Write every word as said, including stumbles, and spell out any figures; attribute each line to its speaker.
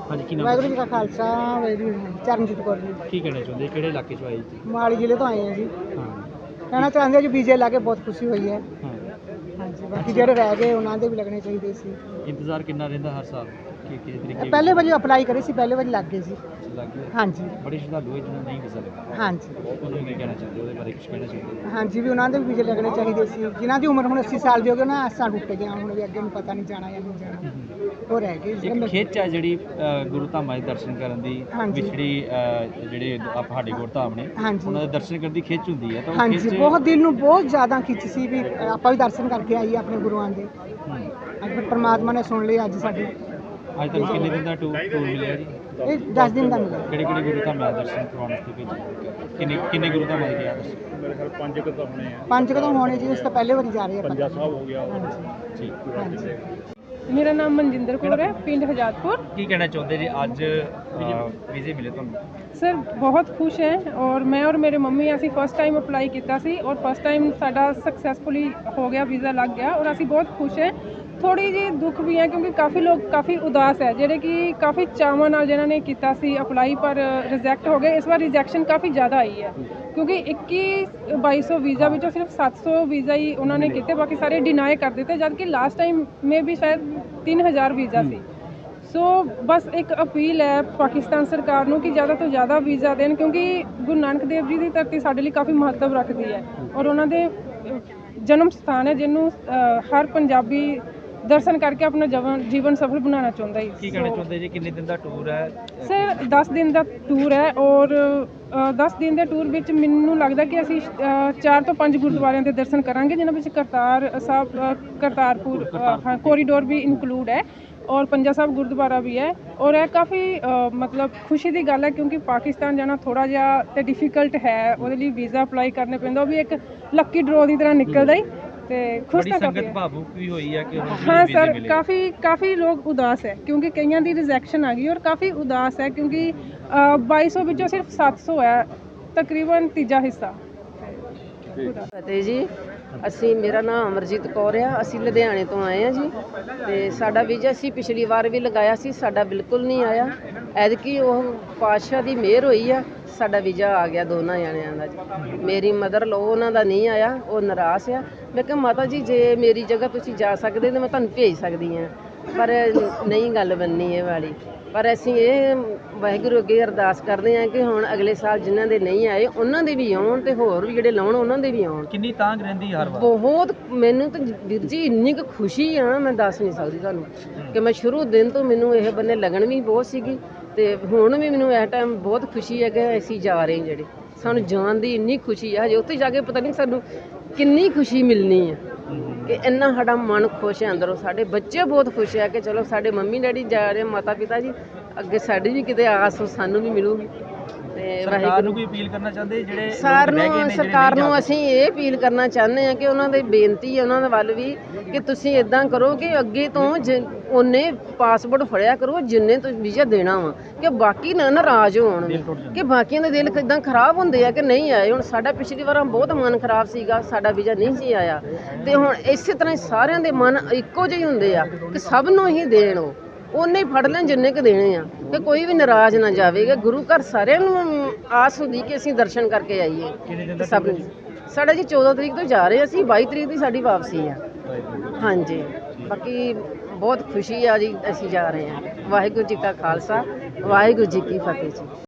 Speaker 1: ਹਾਂਜੀ ਕੀ ਨਾਮ
Speaker 2: ਵਾਹਿਗੁਰੂ ਜੀ ਕਾ ਖਾਲਸਾ ਵਾਹਿਗੁਰੂ ਜੀ ਕੀ ਫਤਿਹ। ਚਰਨਜੀਤ ਕੌਰ ਜੀ,
Speaker 1: ਕੀ ਕਹਿਣਾ ਚਾਹੁੰਦੇ ਕਿਹੜੇ ਇਲਾਕੇ ਚੋਂ ਆਏ ਜੀ?
Speaker 2: ਮੋਹਾਲੀ ਜ਼ਿਲ੍ਹੇ ਤੋਂ ਆਏ ਹਾਂ ਜੀ।
Speaker 1: ਹਾਂ
Speaker 2: ਕਹਿਣਾ ਚਾਹੁੰਦੇ ਹਾਂ ਜੀ ਵੀਜ਼ੇ ਲਾ ਕੇ ਬਹੁਤ ਖੁਸ਼ੀ ਹੋਈ ਹੈ।
Speaker 1: ਹਾਂ
Speaker 2: ਹਾਂਜੀ, ਬਾਕੀ ਜਿਹੜੇ ਰਹਿ ਗਏ ਉਹਨਾਂ ਦੇ ਵੀ ਲੱਗਣੇ ਚਾਹੀਦੇ ਸੀ।
Speaker 1: ਇੰਤਜ਼ਾਰ ਕਿੰਨਾ ਰਹਿੰਦਾ ਹਰ ਸਾਲ ਕਿ ਕਿਸ ਤਰੀਕੇ
Speaker 2: ਪਹਿਲੇ ਵਾਰੀ ਅਪਲਾਈ ਕਰੇ ਸੀ, ਪਹਿਲੇ ਵਾਰੀ ਲੱਗ ਗਏ ਸੀ।
Speaker 1: ਲੱਗ ਗਿਆ?
Speaker 2: ਹਾਂਜੀ
Speaker 1: ਬੜੇ ਸ਼ਰਧਾਲੂ ਹੈ ਜਿਹਨਾਂ ਨੂੰ ਨਹੀਂ ਵੀਜ਼ਾ ਲੱਗਾ,
Speaker 2: ਹਾਂਜੀ
Speaker 1: ਉਹਨਾਂ ਨੂੰ ਕੀ ਕਹਿਣਾ ਚਾਹੁੰਦੇ ਉਹਦੇ ਬਾਰੇ ਕੁਝ ਕਹਿਣਾ ਚਾਹੁੰਦੇ?
Speaker 2: ਹਾਂਜੀ, ਵੀ ਉਹਨਾਂ ਦੇ ਵੀ ਵੀਜ਼ੇ ਲੱਗਣੇ ਚਾਹੀਦੇ ਸੀ। ਜਿਨ੍ਹਾਂ ਦੀ ਉਮਰ ਹੁਣ ਅੱਸੀ ਸਾਲ ਦੀ ਹੋ ਗਈ, ਉਹਨਾਂ ਆਸਾਂ ਟੁੱਟ ਗਈਆਂ, ਹੁਣ ਵੀ ਅੱਗੇ ਨੂੰ ਪਤਾ ਨਹੀਂ ਜਾਣਾ ਜਾਂ ਨਹੀਂ ਜਾਣਾ, ਉਹ ਰਹਿ ਗਏ।
Speaker 1: ਇੱਕ ਖਿੱਚ ਹੈ ਜਿਹੜੀ ਅ, ਗੁਰੂ ਧਾਮਾਂ ਦੇ ਦਰਸ਼ਨ ਕਰਨ ਦੀ,
Speaker 2: ਹਾਂਜੀ।
Speaker 1: ਵਿਛੜੀ ਅ, ਜਿਹੜੇ ਆਪ ਸਾਡੇ ਗੁਰਧਾਮ ਨੇ
Speaker 2: ਹਾਂਜੀ
Speaker 1: ਉਹਨਾਂ ਦੇ ਦਰਸ਼ਨ ਕਰਨ ਦੀ ਖਿੱਚ ਹੁੰਦੀ ਹੈ, ਤਾਂ ਉਹ
Speaker 2: ਹਾਂਜੀ,
Speaker 1: ਖਿੱਚ
Speaker 2: ਬਹੁਤ ਦਿਲ ਨੂੰ ਬਹੁਤ ਜ਼ਿਆਦਾ ਖਿੱਚ ਸੀ ਵੀ ਆਪਾਂ ਵੀ ਦਰਸ਼ਨ ਕਰਕੇ ਆਈਏ ਆਪਣੇ ਗੁਰੂਆਂ ਦੇ।
Speaker 1: ਹੂੰ।
Speaker 2: ਅੱਜ ਫਿਰ ਪਰਮਾਤਮਾ ਨੇ ਸੁਣ ਲਈ ਅੱਜ ਸਾਡੀ।
Speaker 1: ਅੱਜ ਤੱਕ ਕਿੰਨੇ ਦਿਨ ਦਾ ਟੂਰ ਟੂਰ ਮਿਲਿਆ ਜੀ?
Speaker 2: ਇਹ ਦਸ ਦਿਨ ਦਾ ਮਿਲਿਆ।
Speaker 1: ਕਿਹੜੇ ਕਿਹੜੇ ਗੁਰੂ ਧਾਮਾਂ ਦੇ ਦਰਸ਼ਨ ਕਰਵਾਉਣ ਵਾਸਤੇ ਭੇਜੇ? ਕਿੰਨੇ ਕਿੰਨੇ ਗੁਰੂ ਧਾਮਾਂ ਦੇ ਗਿਆ ਦੱਸੋ?
Speaker 3: ਮੇਰੇ ਖਿਆਲ ਪੰਜ ਕੁ ਤਾਂ ਹੋਣੇ ਆ।
Speaker 2: ਪੰਜ ਕਦੋਂ ਹੋਣੇ ਜੀ, ਇਸ ਤੋਂ ਪਹਿਲੇ ਵਾਰੀ ਜਾ ਰਹੇ ਆਪਾਂ।
Speaker 3: ਪੰਜਾ ਸਾਹਿਬ ਹੋ ਗਿਆ।
Speaker 2: ਹਾਂਜੀ
Speaker 1: ਠੀਕ।
Speaker 2: ਹਾਂਜੀ।
Speaker 4: ਮੇਰਾ ਨਾਮ ਮਨਜਿੰਦਰ ਕੌਰ ਹੈ, ਪਿੰਡ ਹਜਾਤपुर।
Speaker 1: ਕੀ ਕਹਿਣਾ ਚਾਹੁੰਦੇ ਜੀ ਅੱਜ ਵੀਜ਼ੇ ਮਿਲੇ ਤੁਹਾਨੂੰ?
Speaker 4: ਸਰ ਬਹੁਤ ਖੁਸ਼ ਹੈ ਔਰ ਮੈਂ ਔਰ ਮੇਰੇ ਮੰਮੀ ਅਸੀਂ ਫਸਟ ਟਾਈਮ ਅਪਲਾਈ ਕੀਤਾ ਸੀ ਔਰ ਫਸਟ ਟਾਈਮ ਸਾਡਾ ਸਕਸੈਸਫੁਲੀ ਹੋ ਗਿਆ, ਵੀਜ਼ਾ ਲੱਗ ਗਿਆ ਔਰ ਅਸੀਂ ਬਹੁਤ ਖੁਸ਼ ਹੈ। ਥੋੜੀ ਜਿਹੀ ਦੁੱਖ ਵੀ ਹੈ ਕਿਉਂਕਿ ਕਾਫੀ ਲੋਕ ਕਾਫੀ ਉਦਾਸ ਹੈ ਜਿਹੜੇ ਕਿ ਕਾਫੀ ਚਾਵਾਂ ਨਾਲ ਜਿਹਨਾਂ ਨੇ ਕੀਤਾ ਸੀ ਅਪਲਾਈ ਪਰ ਰਿਜੈਕਟ ਹੋ ਗਏ। ਇਸ ਵਾਰ ਰਿਜੈਕਸ਼ਨ ਕਾਫੀ ਜ਼ਿਆਦਾ ਆਈ ਹੈ ਕਿਉਂਕਿ ਇੱਕੀ ਬਾਈ ਸੌ ਵੀਜ਼ਾ ਵਿੱਚੋਂ ਸਿਰਫ ਸੱਤ ਸੌ ਵੀਜ਼ਾ ਹੀ ਉਹਨਾਂ ਨੇ ਕੀਤੇ, ਬਾਕੀ ਸਾਰੇ ਡਿਨਾਈ ਕਰ ਦਿੱਤੇ, ਜਦ ਕਿ ਲਾਸਟ ਟਾਈਮ ਮੇ ਵੀ ਸ਼ਾਇਦ ਤਿੰਨ ਹਜ਼ਾਰ ਵੀਜ਼ਾ ਸੀ। ਸੋ ਬਸ ਇੱਕ ਅਪੀਲ ਹੈ ਪਾਕਿਸਤਾਨ ਸਰਕਾਰ ਨੂੰ ਕਿ ਜ਼ਿਆਦਾ ਤੋਂ ਜ਼ਿਆਦਾ ਵੀਜ਼ਾ ਦੇਣ ਕਿਉਂਕਿ ਗੁਰੂ ਨਾਨਕ ਦੇਵ ਜੀ ਦੀ ਧਰਤੀ ਸਾਡੇ ਲਈ ਕਾਫੀ ਮਹੱਤਵ ਰੱਖਦੀ ਹੈ ਔਰ ਉਹਨਾਂ ਦੇ ਜਨਮ ਸਥਾਨ ਹੈ ਜਿਹਨੂੰ ਹਰ ਪੰਜਾਬੀ ਦਰਸ਼ਨ ਕਰਕੇ ਆਪਣਾ ਜੀਵਨ ਜੀਵਨ ਸਫਲ ਬਣਾਉਣਾ ਚਾਹੁੰਦਾ ਹੈ।
Speaker 1: ਕੀ ਕਹਿਣਾ ਚਾਹੁੰਦੇ ਜੀ ਕਿੰਨੇ ਦਿਨ ਦਾ ਟੂਰ ਹੈ?
Speaker 4: ਸਰ ਦਸ ਦਿਨ ਦਾ ਟੂਰ ਹੈ ਔਰ ਦਸ ਦਿਨ ਦੇ ਟੂਰ ਵਿੱਚ ਮੈਨੂੰ ਲੱਗਦਾ ਕਿ ਅਸੀਂ ਚਾਰ ਤੋਂ ਪੰਜ ਗੁਰਦੁਆਰਿਆਂ ਦੇ ਦਰਸ਼ਨ ਕਰਾਂਗੇ, ਜਿਨ੍ਹਾਂ ਵਿੱਚ ਕਰਤਾਰ ਸਾਹਿਬ, ਕਰਤਾਰਪੁਰ ਹਾਂ ਕੋਰੀਡੋਰ ਵੀ ਇਨਕਲੂਡ ਹੈ ਔਰ ਪੰਜਾ ਸਾਹਿਬ ਗੁਰਦੁਆਰਾ ਵੀ ਹੈ। ਔਰ ਇਹ ਕਾਫੀ ਮਤਲਬ ਖੁਸ਼ੀ ਦੀ ਗੱਲ ਹੈ ਕਿਉਂਕਿ ਪਾਕਿਸਤਾਨ ਜਾਣਾ ਥੋੜ੍ਹਾ ਜਿਹਾ ਤੇ ਡਿਫੀਕਲਟ ਹੈ, ਉਹਦੇ ਲਈ ਵੀਜ਼ਾ ਅਪਲਾਈ ਕਰਨੇ ਪੈਂਦਾ, ਉਹ ਵੀ ਇੱਕ ਲੱਕੀ ਡਰੋ ਦੀ ਤਰ੍ਹਾਂ ਨਿਕਲਦਾ ਹੀ ਤੇ ਖੁਸ਼ ਤਾਂ ਕਾਫੀ
Speaker 1: ਸੰਗਤ ਭਾਵੁਕ ਵੀ ਹੋਈ ਹੈ ਕਿ
Speaker 4: ਹਾਂ ਸਰ, ਕਾਫੀ ਕਾਫੀ ਲੋਕ ਉਦਾਸ ਹੈ ਕਿਉਂਕਿ ਕਈਆਂ ਦੀ ਰਿਜੈਕਸ਼ਨ ਆ ਗਈ ਔਰ ਕਾਫੀ ਉਦਾਸ ਹੈ ਕਿਉਂਕਿ ਬਾਈ ਸੌ ਵਿੱਚੋਂ ਸਿਰਫ ਸੱਤ ਸੌ ਹੈ, ਤਕਰੀਬਨ ਤੀਜਾ ਹਿੱਸਾ।
Speaker 5: ਫਤਿਹ ਜੀ, ਅਸੀਂ ਮੇਰਾ ਨਾਮ ਅਮਰਜੀਤ ਕੌਰ ਆ, ਅਸੀਂ ਲੁਧਿਆਣੇ ਤੋਂ ਆਏ ਹਾਂ ਜੀ ਤੇ ਸਾਡਾ ਵੀਜ਼ਾ ਅਸੀਂ ਪਿਛਲੀ ਵਾਰ ਵੀ ਲਗਾਇਆ ਸੀ, ਸਾਡਾ ਬਿਲਕੁਲ ਨਹੀਂ ਆਇਆ। ਐਤਕੀ ਉਹ ਪਾਤਸ਼ਾਹ ਦੀ ਮਿਹਰ ਹੋਈ ਆ, ਸਾਡਾ ਵੀਜ਼ਾ ਆ ਗਿਆ ਦੋਨਾਂ ਜਣਿਆਂ ਦਾ ਜੀ। ਮੇਰੀ ਮਦਰ ਲੋ ਉਹਨਾਂ ਦਾ ਨਹੀਂ ਆਇਆ, ਉਹ ਨਿਰਾਸ਼ ਆ। ਮੈਂ ਕਿਹਾ ਮਾਤਾ ਜੀ ਜੇ ਮੇਰੀ ਜਗ੍ਹਾ ਤੁਸੀਂ ਜਾ ਸਕਦੇ ਤਾਂ ਮੈਂ ਤੁਹਾਨੂੰ ਭੇਜ ਸਕਦੀ ਹਾਂ, ਪਰ ਨਹੀਂ ਗੱਲ ਬਣਨੀ ਇਹ ਵਾਲੀ। ਪਰ ਅਸੀਂ ਇਹ ਵਾਹਿਗੁਰੂ ਅੱਗੇ ਅਰਦਾਸ ਕਰਦੇ ਹਾਂ ਕਿ ਹੁਣ ਅਗਲੇ ਸਾਲ ਜਿਨ੍ਹਾਂ ਦੇ ਨਹੀਂ ਆਏ ਉਹਨਾਂ ਦੇ ਵੀ ਆਉਣ ਤੇ ਹੋਰ ਵੀ ਜਿਹੜੇ ਲਾਉਣ ਉਹਨਾਂ ਦੇ ਵੀ ਆਉਣ।
Speaker 1: ਕਿੰਨੀ ਤਾਂਘ ਰਹਿੰਦੀ ਹਰ ਵਾਰ?
Speaker 5: ਬਹੁਤ, ਮੈਨੂੰ ਤਾਂ ਵੀਰ ਜੀ ਇੰਨੀ ਕੁ ਖੁਸ਼ੀ ਆ ਮੈਂ ਦੱਸ ਨਹੀਂ ਸਕਦੀ ਤੁਹਾਨੂੰ ਕਿ ਮੈਂ ਸ਼ੁਰੂ ਦਿਨ ਤੋਂ ਮੈਨੂੰ ਇਹ ਬੰਨੇ ਲੱਗਣ ਵੀ ਬਹੁਤ ਸੀਗੀ ਤੇ ਹੁਣ ਵੀ ਮੈਨੂੰ ਇਸ ਟਾਈਮ ਬਹੁਤ ਖੁਸ਼ੀ ਹੈ ਕਿ ਅਸੀਂ ਜਾ ਰਹੇ ਹਾਂ। ਜਿਹੜੇ ਸਾਨੂੰ ਜਾਣ ਦੀ ਇੰਨੀ ਖੁਸ਼ੀ ਆ, ਹਜੇ ਉੱਥੇ ਜਾ ਕੇ ਪਤਾ ਨਹੀਂ ਸਾਨੂੰ ਕਿੰਨੀ ਖੁਸ਼ੀ ਮਿਲਣੀ ਹੈ ਕਿ ਇੰਨਾ ਸਾਡਾ ਮਨ ਖੁਸ਼ ਹੈ ਅੰਦਰੋਂ। ਸਾਡੇ ਬੱਚੇ ਬਹੁਤ ਖੁਸ਼ ਹੈ ਕਿ ਚਲੋ ਸਾਡੇ ਮੰਮੀ ਡੈਡੀ ਜਾ ਰਹੇ, ਮਾਤਾ ਪਿਤਾ ਜੀ, ਅੱਗੇ ਸਾਡੀ ਵੀ ਕਿਤੇ ਆਸ ਸਾਨੂੰ ਵੀ ਮਿਲੂਗੀ। ਤੇ
Speaker 1: ਸਰਕਾਰ ਨੂੰ ਕੋਈ ਅਪੀਲ ਕਰਨਾ ਚਾਹੁੰਦੇ ਜਿਹੜੇ
Speaker 5: ਸਰ ਨੂੰ ਸਰਕਾਰ ਨੂੰ ਅਸੀਂ ਇਹ ਅਪੀਲ ਕਰਨਾ ਚਾਹੁੰਦੇ ਹਾਂ ਕਿ ਉਹਨਾਂ ਦੀ ਬੇਨਤੀ ਹੈ ਉਹਨਾਂ ਦੇ ਵੱਲ ਵੀ ਕਿ ਤੁਸੀਂ ਇਦਾਂ ਕਰੋ ਕਿ ਅੱਗੇ ਤੋਂ ਉਹਨੇ ਪਾਸਪੋਰਟ ਫੜਿਆ ਕਰੋ ਜਿੰਨੇ ਤੁਸੀਂ ਵੀਜ਼ਾ ਦੇਣਾ ਵਾ, ਕਿ ਬਾਕੀ ਨਾ ਨਾਰਾਜ਼ ਹੋਣ ਕਿ ਬਾਕੀਆਂ ਦੇ ਦਿਲ ਇਦਾਂ ਖਰਾਬ ਹੁੰਦੇ ਆ ਕਿ ਨਹੀਂ ਆਏ। ਹੁਣ ਸਾਡਾ ਪਿਛਲੀ ਵਾਰ ਬਹੁਤ ਮਨ ਖਰਾਬ ਸੀਗਾ, ਸਾਡਾ ਵੀਜ਼ਾ ਨਹੀਂ ਸੀ ਆਇਆ ਤੇ ਹੁਣ ਇਸੇ ਤਰ੍ਹਾਂ ਸਾਰਿਆਂ ਦੇ ਮਨ ਇੱਕੋ ਜਿਹੇ ਹੁੰਦੇ ਆ ਕਿ ਸਭ ਨੂੰ ਹੀ ਦੇਣ, ਉਹ ਉਹਨੇ ਫੜ ਲੈਣ ਜਿੰਨੇ ਕੁ ਦੇਣੇ ਆ, ਕਿ ਕੋਈ ਵੀ ਨਾਰਾਜ਼ ਨਾ ਜਾਵੇਗਾ। ਗੁਰੂ ਘਰ ਸਾਰਿਆਂ ਨੂੰ ਆਸ ਹੁੰਦੀ ਕਿ ਅਸੀਂ ਦਰਸ਼ਨ ਕਰਕੇ ਆਈਏ। ਸਭ ਨੂੰ ਸਾਡਾ ਜੀ ਚੌਦਾਂ ਤਰੀਕ ਤੋਂ ਜਾ ਰਹੇ ਅਸੀਂ, ਬਾਈ ਤਰੀਕ ਦੀ ਸਾਡੀ ਵਾਪਸੀ ਆ। ਹਾਂਜੀ, ਬਾਕੀ ਬਹੁਤ ਖੁਸ਼ੀ ਆ ਜੀ, ਅਸੀਂ ਜਾ ਰਹੇ ਹਾਂ। ਵਾਹਿਗੁਰੂ ਜੀ ਕਾ ਖਾਲਸਾ, ਵਾਹਿਗੁਰੂ ਜੀ ਕੀ ਫਤਿਹ ਜੀ।